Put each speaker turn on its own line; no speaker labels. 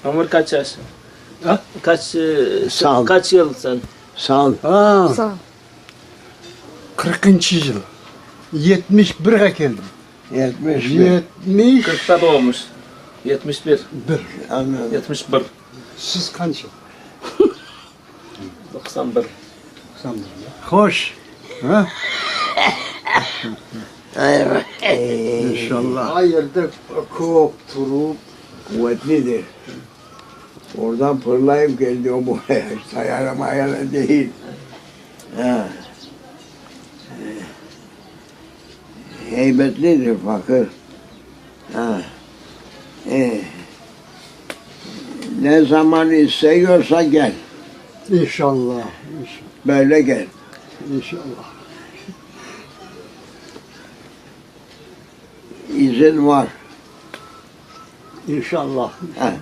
Ömür kaç yaş?
Ha?
Sağ ol. Kaç yıl sen?
Sağ ol.
Sağ ol.
40. yıl. 71'e geldim.
71.
71.
40'ta doğmuş. 71.
Anladım.
71.
Siz kaç yıl?
91.
Hoş. Ha?
Evet.
İnşallah.
Hayırdır kopturup kuvvetlidir. Oradan fırlayıp geldi o buraya. Sayara mayara değil. Ha. Heybetlidir fakir. Ha. Ne zaman istiyorsa gel.
İnşallah.
Böyle gel.
İnşallah.
İzin var.
İnşallah.
Ha.